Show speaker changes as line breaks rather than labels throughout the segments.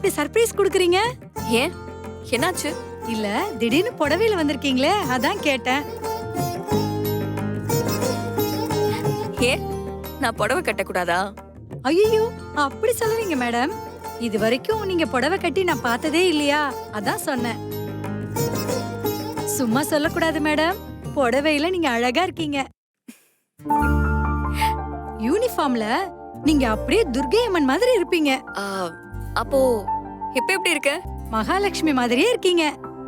இப்படி சர்ப்ரைஸ் கொடுக்குறீங்க?
ஏன் என்னாச்சு?
இல்ல திடீர்னு புடவையில வந்திருக்கீங்களே அதான் கேட்டேன்.
ஏன் நான் புடவை கட்டக்கூடாதா?
ஐயோ அப்படி சொல்லுவீங்க மேடம். இது வரைக்கும் நீங்க புடவை கட்டி நான் பார்த்ததே இல்லையா, அதான் சொன்னேன். சும்மா சொல்லக்கூடாது மேடம், புடவையில நீங்க அழகா இருக்கீங்க. யூனிஃபார்ம்ல நீங்க அப்படியே துர்கை அம்மன் மாதிரி இருப்பீங்க.
ஆ, அப்போ இப்ப எப்படி இருக்க?
மகாலட்சுமி மாதிரியே இருக்கீங்க.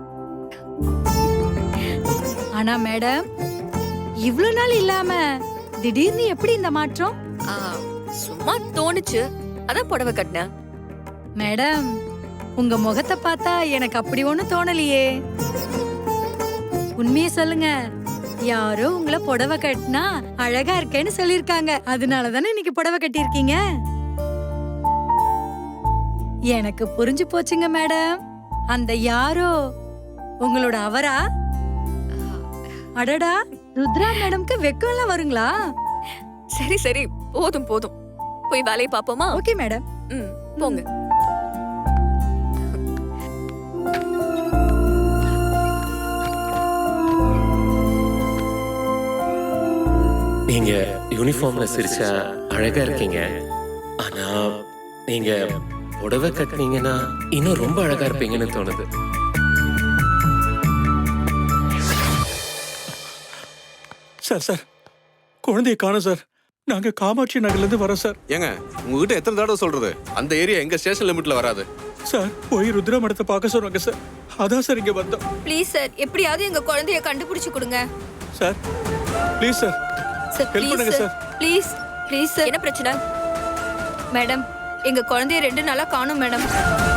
ஆனா மேடம், இவ்ளோ நாள் இல்லாம திடீர்னு எப்படி இந்த மாற்றம்?
ஆ, சும்மா தோணுச்சு, அதான் புடவை கட்டினேன்.
மேடம், உங்க முகத்தை பார்த்தா எனக்கு அப்படி ஒண்ணும் தோணலையே. உண்மையை சொல்லுங்க, யாரோ உங்களை புடவை கட்டினா அழகா இருக்கேன்னு சொல்லிருக்காங்க. அதனாலதானே இன்னைக்கு புடவை கட்டியிருக்கீங்க. எனக்கு புரிஞ்சு போச்சுங்க மேடம். அந்த யாரோ உங்களோட அவரா? அடடா, ருத்ரா மேடம்க்கு வெக்கம் எல்லாம் வருங்களா?
சரி சரி, போதும் போதும், போய் வேலையை பாப்போமா?
Okay madam.
போங்க.
நீங்க யூனிஃபார்ம்ல சிரிச்சா அழகா இருக்கீங்க. ஆனா நீங்க புடவை கட்டினீங்கன்னா இன்னும் ரொம்ப அழகா இருப்பீங்கன்னு தோணுது.
சார் சார், குழந்தைய காணோம் சார். நாங்க காமாட்சி நகர்ல இருந்து வரோம் சார்.
ஏங்க, உங்ககிட்ட எத்தனை தடவை சொல்றது? அந்த ஏரியா எங்க ஸ்டேஷன் லிமிட்ல வராது
சார். போய் ருத்ரா மடத்தை பார்க்க சொன்னாங்க சார். அதான் சார் இங்க வந்தோம்.
ப்ளீஸ் சார், எப்படியாவது எங்க குழந்தைய கண்டுபிடிச்சு கொடுங்க
sir. Please sir,
sir.
Help பண்ணுங்க சார்.
Please please sir. என்ன பிரச்சனை? மேடம், எங்க குழந்தைய 2 நாளா காணோம் மேடம்.